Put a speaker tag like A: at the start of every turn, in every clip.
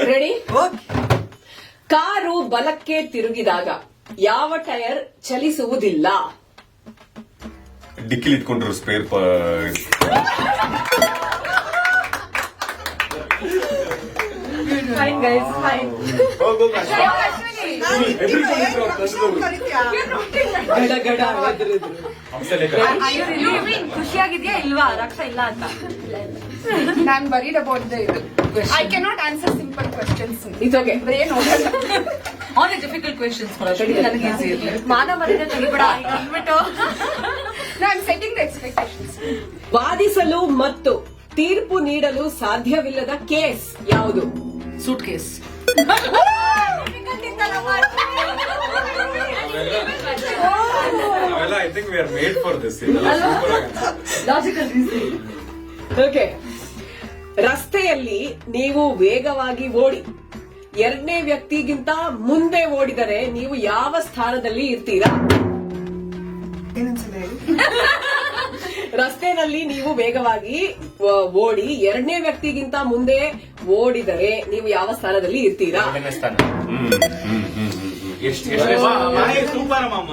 A: Ready? Car ಬಲಕ್ಕೆ ತಿರುಗಿದಾಗ ಯಾವ ಟೈರ್ ಚಲಿಸುವುದಿಲ್ಲ?
B: ಡಿಕ್ಕಿಲಿ ಇಟ್ಕೊಂಡಿರೋ ಸ್ಪೇರ್
A: Fine guys, fine. ಗಡ ಗಡ
C: ಖುಷಿಯಾಗಿದ್ಯಾ ಇಲ್ವಾ ರಕ್ಷಾ ಇಲ್ಲ ಅಂತ?
D: ನಾನ್ worried about the I cannot answer simple questions.
A: It's okay.
D: Brain ಹೋಗಲ್ಲ.
C: ಆನ್ ಡಿಫಿಕಲ್ಟ್ ಕ್ವೆಶ್ಚನ್ಸ್ ನನಗೆ ಈಸಿ ಇರಲಿ. ಮಾನ ಮರ್ಯಾದೆ ತೆಗಿಬೇಡ ಅಂದ್ಬಿಟ್ಟು
D: ನಾನು ಸೆಟ್ಟಿಂಗ್ ದ ಎಕ್ಸ್ಪೆಕ್ಟೇಷನ್ಸ್.
A: ವಾದಿಸಲು ಮತ್ತು ತೀರ್ಪು ನೀಡಲು ಸಾಧ್ಯವಿಲ್ಲದ ಕೇಸ್ ಯಾವುದು?
C: Suitcase.
B: I think we are made for this.
C: Logical reasoning.
A: Okay. ರಸ್ತೆಯಲ್ಲಿ ನೀವು ವೇಗವಾಗಿ ಓಡಿ ಎರಡನೇ ವ್ಯಕ್ತಿಗಿಂತ ಮುಂದೆ ಓಡಿದರೆ ನೀವು ಯಾವ ಸ್ಥಾನದಲ್ಲಿ ಇರ್ತೀರಾ? ರಸ್ತೆನಲ್ಲಿ ನೀವು ವೇಗವಾಗಿ ಓಡಿ ಎರಡನೇ ವ್ಯಕ್ತಿಗಿಂತ ಮುಂದೆ ಓಡಿದರೆ ನೀವು ಯಾವ ಸ್ಥಾನದಲ್ಲಿ ಇರ್ತೀರಾ?
E: ಸೂಪರ್ ಮಾಮ.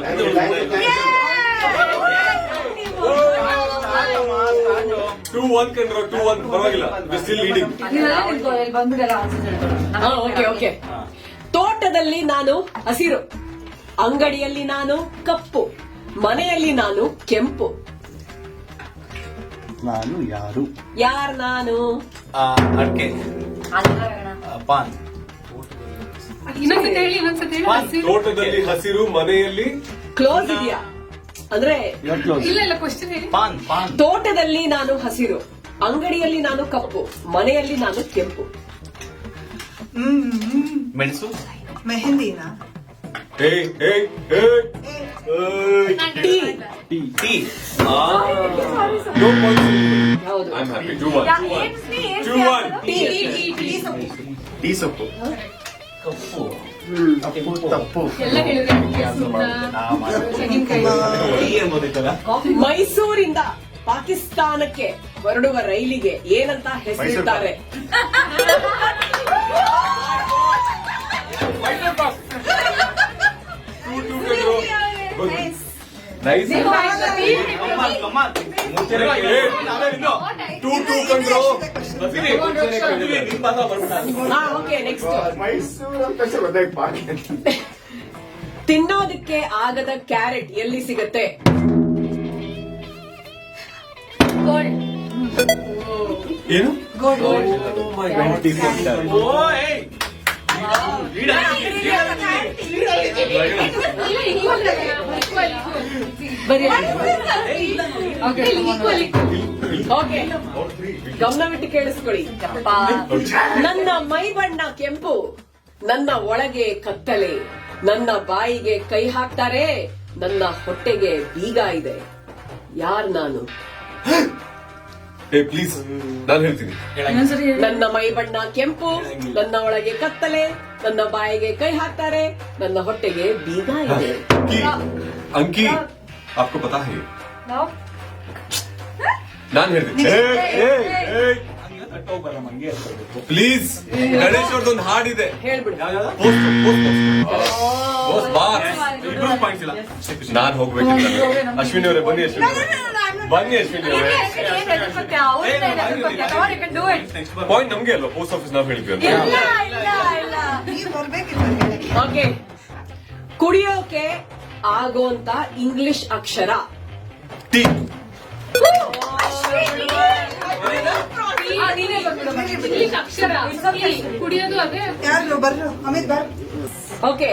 B: 2-1 ಕಂಡ್ರೋ 2-1 ಪರವಾಗಿಲ್ಲ. Still leading.
C: ಬಂದ್ಬಿಡಲ್ಲ ಆನ್ಸರ್ ಹೇಳ್ತಾರೆ.
A: Okay okay. ತೋಟದಲ್ಲಿ ನಾನು ಹಸಿರು, ಅಂಗಡಿಯಲ್ಲಿ ನಾನು ಕಪ್ಪು, ಮನೆಯಲ್ಲಿ ನಾನು ಕೆಂಪು.
E: ನಾನು ಯಾರು?
A: ಯಾರ್ ನಾನು?
E: ಅಡ್ಕೆ, ಪಾನ್.
D: ಇನ್ನೊಂದ್ಸತಿ ಹೇಳಿ.
B: ತೋಟದಲ್ಲಿ ಹಸಿರು, ಮನೆಯಲ್ಲಿ
A: ಕ್ಲೋಸ್ ಇದೆಯಾ ಅಂದ್ರೆ?
D: ಇಲ್ಲ ಕ್ವಶನ್ ಹೇಳಿ.
E: ಪಾನ್.
A: ತೋಟದಲ್ಲಿ ನಾನು ಹಸಿರು, ಅಂಗಡಿಯಲ್ಲಿ ನಾನು ಕಪ್ಪು, ಮನೆಯಲ್ಲಿ ನಾನು ಕೆಂಪು.
E: ಮೆಣಸು.
F: ಮೆಹಂದಿನ
B: ಏಯ್ ಏಯ್ ಏಯ್
A: ಟೀ.
E: ಟೀ.
B: No points.
A: ಹೌದು.
B: I'm happy. 2-1. 2-1.
E: ಟೀ ಸೊಪ್ಪು. ತಪ್ಪು. ಟೀ ಎಂಬುದಿತ್ತಲ್ಲ.
A: ಮೈಸೂರಿಂದ ಪಾಕಿಸ್ತಾನಕ್ಕೆ ಹೊರಡುವ ರೈಲಿಗೆ ಏನಂತ ಹೆಸರಿದ್ದಾರೆ?
B: Nice. 2-2 ಕಂಡ್ರೋ.
A: Okay next.
E: ಮೈಸೂರು ಅಂತ
A: ತಿನ್ನೋದಕ್ಕೆ ಆಗದ ಕ್ಯಾರೆಟ್ ಎಲ್ಲಿ ಸಿಗತ್ತೆ?
B: ಏನು?
A: ಓಕೆ, ಗಮನವಿಟ್ಟು ಕೇಳಿಸ್ಕೊಳ್ಳಿ. ನನ್ನ ಮೈ ಬಣ್ಣ ಕೆಂಪು, ನನ್ನ ಒಳಗೆ ಕತ್ತಲೆ, ನನ್ನ ಬಾಯಿಗೆ ಕೈ ಹಾಕ್ತಾರೆ, ನನ್ನ ಹೊಟ್ಟೆಗೆ ಬೀಗ ಇದೆ. ಯಾರ್ ನಾನು?
B: ಏ ಪ್ಲೀಸ್, ನಾನು ಹೇಳ್ತೀನಿ.
A: ನನ್ನ ಮೈ ಬಣ್ಣ ಕೆಂಪು, ನನ್ನ ಒಳಗೆ ಕತ್ತಲೆ, ನನ್ನ ಬಾಯಿಗೆ ಕೈ ಹಾಕ್ತಾರೆ, ನನ್ನ ಹೊಟ್ಟೆಗೆ ಬೀಗ ಇದೆ.
B: ಅಂಕಿ आपको पता है? ನಾನು ಹೇಳ್ತೀನಿ. ಪ್ಲೀಸ್, ಗಣೇಶ್ ಅವ್ರದ್ದೊಂದು ಹಾಡಿದೆ,
A: ಹೇಳ್ಬಿಡು.
B: ನಾನು ಹೋಗ್ಬೇಕಿಲ್ಲ. ಅಶ್ವಿನಿ ಅವರೇ ಬನ್ನಿ. ಬನ್ನಿ ಅಶ್ವಿನಿ ಅವರೇ. ಪಾಯಿಂಟ್ ನಮ್ಗೆ ಅಲ್ವಾ? ಪೋಸ್ಟ್ ಆಫೀಸ್ ನಾವು ಹೇಳ್ತೀವಿ ಅಂತ.
F: ನೀವು ಬರ್ಬೇಕಿಲ್ಲ.
A: ಓಕೆ. ಕುಡಿಯೋಕೆ ಆಗೋಂತ ಇಂಗ್ಲಿಷ್ ಅಕ್ಷರ?
B: ಟಿ.
D: ಕುಡಿಯೋದು ಅದೇ.
F: ಯಾರು ಬರ್ರು ಅಮಿತ್ ಬರ್.
A: ಓಕೆ.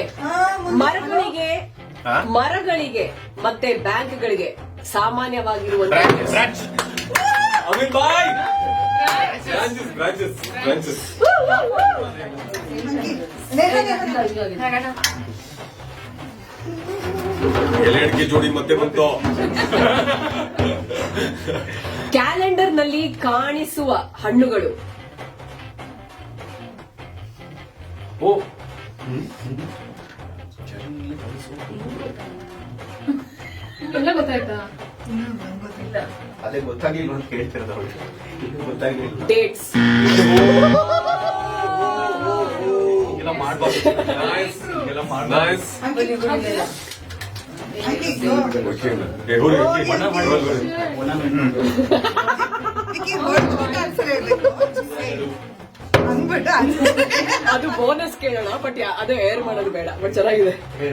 A: ಮರಗಳಿಗೆ ಮತ್ತೆ ಬ್ಯಾಂಕ್ಗಳಿಗೆ ಸಾಮಾನ್ಯವಾಗಿರುವ
B: ಅಮಿತ್ ಬಾಯ್. ಬ್ರಾಂಚಸ್. ಎಲೆ ಅಡಿಕೆ ಜೋಡಿ ಮತ್ತೆ ಬಂತು.
A: ಕ್ಯಾಲೆಂಡರ್ ನಲ್ಲಿ ಕಾಣಿಸುವ ಹಣ್ಣುಗಳು?
D: ಎಲ್ಲ ಗೊತ್ತಾಯ್ತಾ?
E: ಅದೇ ಗೊತ್ತಾಗ್ಲಿಲ್ಲ ಅಂತ ಕೇಳ್ತಿರೋದು. ಗೊತ್ತಾಗ್ಲಿಲ್ಲ.
A: ಡೇಟ್ಸ್.
E: ಮಾಡ್ಬಾರ್ದು. ಹಿಂಗೆಲ್ಲ ಮಾಡ್ಬಾರ್ದು.
B: Nice
F: Vicky, go.
E: ಬಣ್ಣ ಮಾಡ್ಬಾರ್ದು.
F: Vicky, ಹೊರಡ್ಬಿಟ್ಟು answer ಹೇಳ್ಬೇಕು. ಅಂದ್ಬಿಟ್ಟು answer.
A: ಅದು ಬೋನಸ್ ಕೇಳೋಣ ಬಟ್ ಅದು ಏರ್ ಮಾಡೋದು ಬೇಡ ಬಟ್ ಚೆನ್ನಾಗಿದೆ.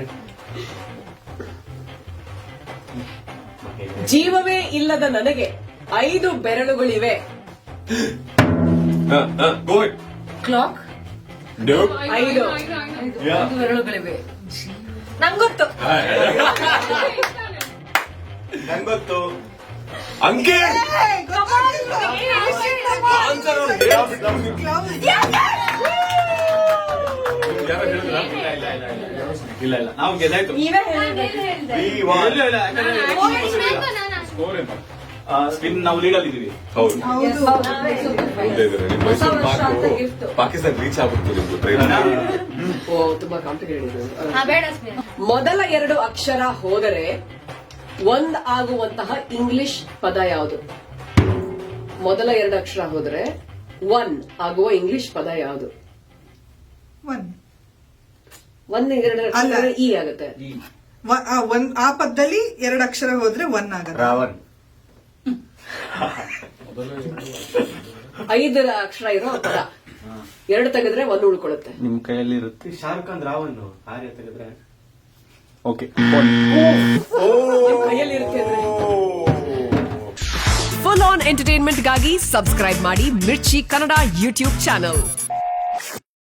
A: ಜೀವವೇ ಇಲ್ಲದ ನನಗೆ 5 ಬೆರಳುಗಳಿವೆ.
B: ಗೋ
C: ಕ್ಲಾಕ್
B: ಡೂ
A: 5
C: 5 ಬೆರಳುಗಳಿವೆ.
D: ನಂಗೊತ್ತು.
E: ನಂಗೊತ್ತು.
B: ಅಂಕೆ
F: Hey, ಗೊತ್ತಾಗಿಲ್ಲ.
B: Answer
F: Close.
E: ಇಲ್ಲ ನಾವು ಗೆದ್ದಾಯ್ತು.
D: ನೀವೇ ಹೇಳಿದ್ರಿ.
E: We won. ಸ್ಪಿನ್ ನಾವು ಲೀಡಲ್ಲಿ ಇದೀವಿ.
B: ಹೌದು
F: ಹೌದು.
B: ಮುಂದೆ ಇದ್ದಾರೆ. ನಿಮ್ಮ ಮೈಸೂರು ಪಾಕು ಪಾಕಿಸ್ತಾನ ರೀಚ್ ಆಗ್ಬಿಡ್ತು ನಿಮ್ದು ಟ್ರೈನ್.
A: ಓ ತುಂಬಾ ಕಾಂಪ್ಲಿಕೇಟೆಡ್. ಮೊದಲ 2 ಅಕ್ಷರ ಹೋದರೆ ಒಂದ್ ಆಗುವಂತಹ ಇಂಗ್ಲಿಷ್ ಪದ ಯಾವುದು? ಮೊದಲ 2 ಅಕ್ಷರ ಹೋದ್ರೆ 1 ಆಗುವ ಇಂಗ್ಲಿಷ್ ಪದ ಯಾವುದು?
F: One.
A: 1 2
F: ಅಲ್ಲ.
A: ಅಕ್ಷರ ಇ ಆಗುತ್ತೆ.
F: ಆ ಪದದಲ್ಲಿ 2 ಅಕ್ಷರ ಹೋದ್ರೆ 1 ಆಗತ್ತೆ.
E: ರಾವಣ್.
A: 5 ಅಕ್ಷರ ಇರೋ ಪದ 2 ತೆಗೆದ್ರೆ 1 ಉಳ್ಕೊಳ್ಳುತ್ತೆ.
E: ನಿಮ್ ಕೈಯಲ್ಲಿ ಇರುತ್ತೆ. ಶಾರುಖ್ ಖಾನ್ ರಾವಣ್ ಆರ್ಯ ತೆಗೆದ್ರೆ ಓಕೆ.
A: ನಿಮ್ ಕೈಯಲ್ಲಿ ಇರುತ್ತೆ ಅಂದ್ರೆ. ಫುಲ್ ಆನ್ ಎಂಟರ್ಟೈನ್ಮೆಂಟ್ಗಾಗಿ ಸಬ್ಸ್ಕ್ರೈಬ್ ಮಾಡಿ ಮಿರ್ಚಿ ಕನ್ನಡ ಯೂಟ್ಯೂಬ್ ಚಾನಲ್.